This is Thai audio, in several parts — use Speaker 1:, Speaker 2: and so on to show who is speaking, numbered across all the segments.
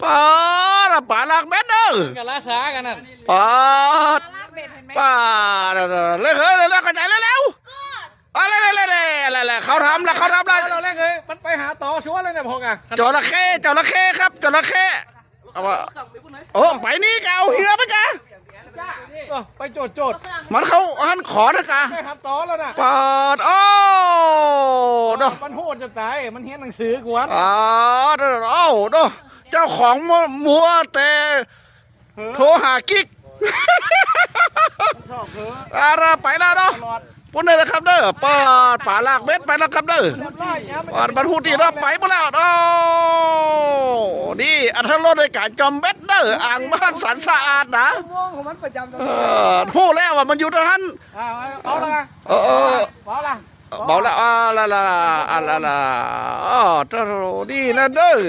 Speaker 1: ปาดป่าลากเบ็ดเด้อ
Speaker 2: กันลาสากันนั่น
Speaker 1: ปาดป่าดเลยเฮ้ยเลยกระจายเร็วๆอะไรเขาทำแล้ว
Speaker 2: เราแรกเลยมันไปหาต่อชัวร์เลยเนี่ยพงอ่ะ
Speaker 1: จระเข้ครับจระเข้เอาว่าโอ้ไปนี่เก่าเหือไปกะ
Speaker 2: ไปโจด
Speaker 1: มันเขาหันขอนะกะ
Speaker 2: ไปหาต่อแล้วนะ
Speaker 1: ปาดโอ้ดอ
Speaker 2: มันโหดจะตายมันเห็นหนังสือกวน
Speaker 1: ปาดโอ้ดอเจ้าของมัวแต่โทรหากิ๊ก
Speaker 2: ชอบเถอะ
Speaker 1: อะไรไปแล้วเนาะ
Speaker 2: ตลอด
Speaker 1: ปุ่นเลยนะครับเด้อปาดป่าลากเบ็ดไปแล้วครับเด้อ
Speaker 2: ไล่ย้ำ
Speaker 1: ปาดบรรทุกที่เราไปหมดแล้วโอ้นี่อัธรสในการจอมเบ็ดเด้ออ่างบ้านสันสะอาดนะ
Speaker 2: ม่วงของมันประจำตรง
Speaker 1: พูดแล้วว่ามันอยู่ตรงนั้น
Speaker 2: เอาละไง
Speaker 1: เออ
Speaker 2: เอาละ
Speaker 1: บอกแล้วอ๋อตรนี่นะเด้อ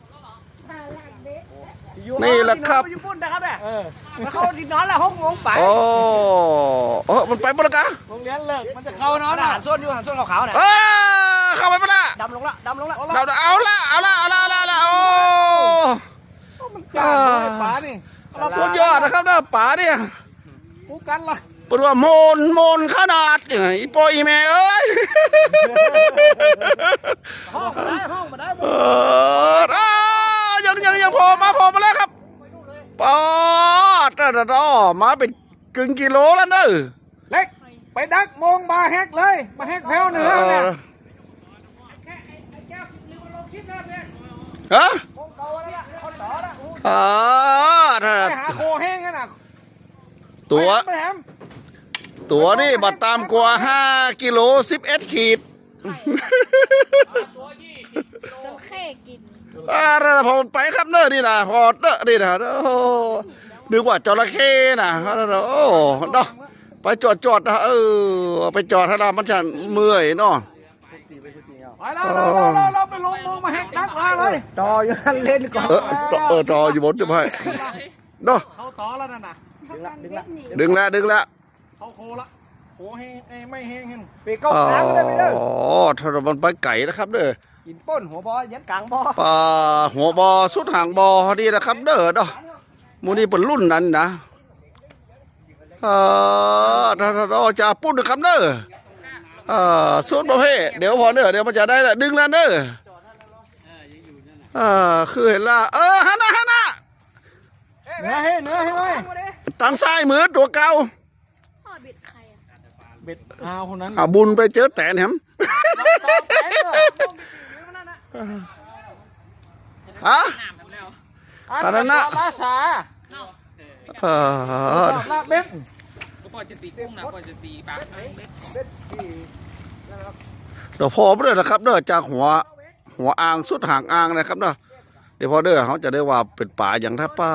Speaker 1: นี่แหละครับ
Speaker 3: ญี่ปุ่นนะครับเนี่ยมันเข้าที่นอนแล้ว6 โมงไป
Speaker 1: โอ้มันไปหมดแล้วกะ
Speaker 2: โรงเรียนเลิกมันจะเข้านอน
Speaker 3: หันส้นอยู่หันส้นขาวๆเนี่ย
Speaker 1: เข้าไปหมดละ
Speaker 3: ดำลงละ
Speaker 1: เราเอาละโอ้
Speaker 2: มันจ้าเลยป๋านี่
Speaker 1: สุดยอดนะครับนะป๋าเนี่ย
Speaker 2: กูกันละ
Speaker 1: เป็นว่าโมนขนาดอีโปอีแม่เอ้ย
Speaker 3: ห้องมาได้
Speaker 1: ยังโผล่มาแล้วครับปอดมาเป็นกึ่งกิโลแล้วเนอะ
Speaker 2: เล็กไปดักมงมาแฮกเลยมาแฮกแพ้วเหนือเนี่ย
Speaker 1: ฮะ
Speaker 2: ไปหาโคแห้งกันน่ะ
Speaker 1: ตัวนี่บัตรตามกว่า5 กิโล 11 ขีด
Speaker 4: จระเข้กิน
Speaker 1: พอไปครับเนอะนี่นะพอเนอะนี่นะนึกว่าจระเข้นะโอ้เนาะไปจอดนะไปจอดถ้าเรามันจะเมื่อยเนาะ
Speaker 2: ไปแล้วเราไปลงมงมาแฮกดักมาเลย
Speaker 3: ต่ออยู่หันเล่นก่อน
Speaker 1: จออยู่บนจะไปเนาะ
Speaker 2: เขาต่อแล้วนั่นน่ะ
Speaker 1: ดึงแล้ว
Speaker 2: เขาโคละโคแห้งไม่แห้งเห็น
Speaker 3: ไปเข้าค้างเลยไปเด้อ
Speaker 1: อ๋อถ้ามันไปไก่นะครับเด้อ
Speaker 3: กินป้นหัวบอยันกลางบอ
Speaker 1: ปลาหัวบอสุดหางบอดีนะครับเด้อเนาะมูนี่เป็นรุ่นนั้นนะถ้าจะปุ้นนะครับเด้อสุดประเภทเดี๋ยวพอเด้อเดี๋ยวมันจะได้ละดึงแล้วเด้อคือเห็นละฮันนะ
Speaker 2: เนื้อให้เลย
Speaker 1: ทางซ้ายมือตัวเก่า
Speaker 4: พ่อเบ็ดใครอ่ะ
Speaker 2: เบ็ดเอาคนนั้น
Speaker 1: บุญไปเจอแตนแหมฮะ
Speaker 2: อันนั้นน่ะลาสาลาเบ็ด
Speaker 5: ก็ปล่อยจะตีกุ้งนะปล่อยจะตีปลาเล็ก
Speaker 1: เดี๋ยวพอเด้อนะครับเด้อจากหัวอ่างสุดหางอ่างนะครับเด้อเดี๋ยวพอเด้อเขาจะได้ว่าเป็นป่าอย่างท่าป้า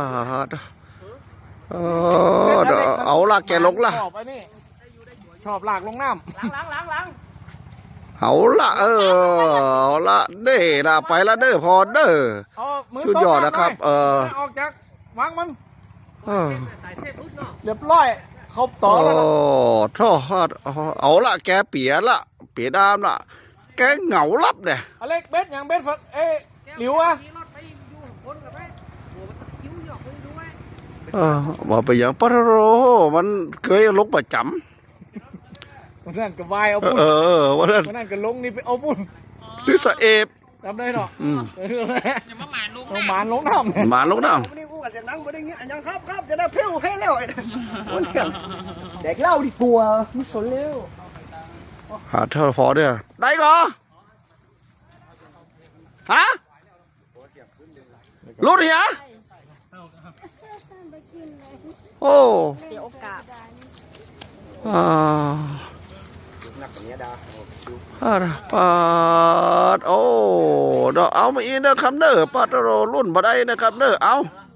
Speaker 1: เอาละแกลงละ
Speaker 2: ชอบไอ้นี่ชอบหลากลงน้ำ
Speaker 3: ล้าง
Speaker 1: เอาละเอาละเด้ละไปละเด้อพอเด้อสุดยอดนะครับ
Speaker 2: ออกจากวางมัน
Speaker 5: สายเส้นปุ๊บเนาะ
Speaker 2: เรียบร้อยครบต่อแล้วนะ
Speaker 1: ทอดเอาละแกเปียดามละแกเหงาลับเนี่ย
Speaker 2: อเล็กเบ็ดอย่างเบ็ดหลิวอ่ะ
Speaker 5: มีรถไปอยู่คนกับไปโอ้มันคิ้วหยอกไปดูไหม
Speaker 1: มาไปอย่างปะโรมันเคยลงประจ
Speaker 2: วันนั้นก็วายเอา
Speaker 1: ำ
Speaker 2: บุญ
Speaker 1: วันนั้น
Speaker 2: วันนั้นก็ลงนี่ไปเอาบุญ
Speaker 1: ดิสเอฟ
Speaker 2: จำได้เนาะ
Speaker 5: อย่ามาหมานลูก
Speaker 2: ต้อง
Speaker 5: นะ
Speaker 2: หมานลงน้ำเนี่ย
Speaker 1: หมาลงน้
Speaker 3: ๆวันนี้กูกับจากนั้นกูได้เงี้ยยังครับจะได้เพี้ยวให้แล้วเด็กเล่าดีกว่าไม่สนแล้ว
Speaker 1: ำเท่าพอเด้อได้ก่อฮะรู้ดิฮะ
Speaker 4: ไปกินเลย
Speaker 1: โอ้
Speaker 4: เสียโอกาส
Speaker 1: ปาดโอ้เด้อเอามาอีกเด้อครับเด้อปาดโรรุ่นบ่ได้นะครับเด้อเอา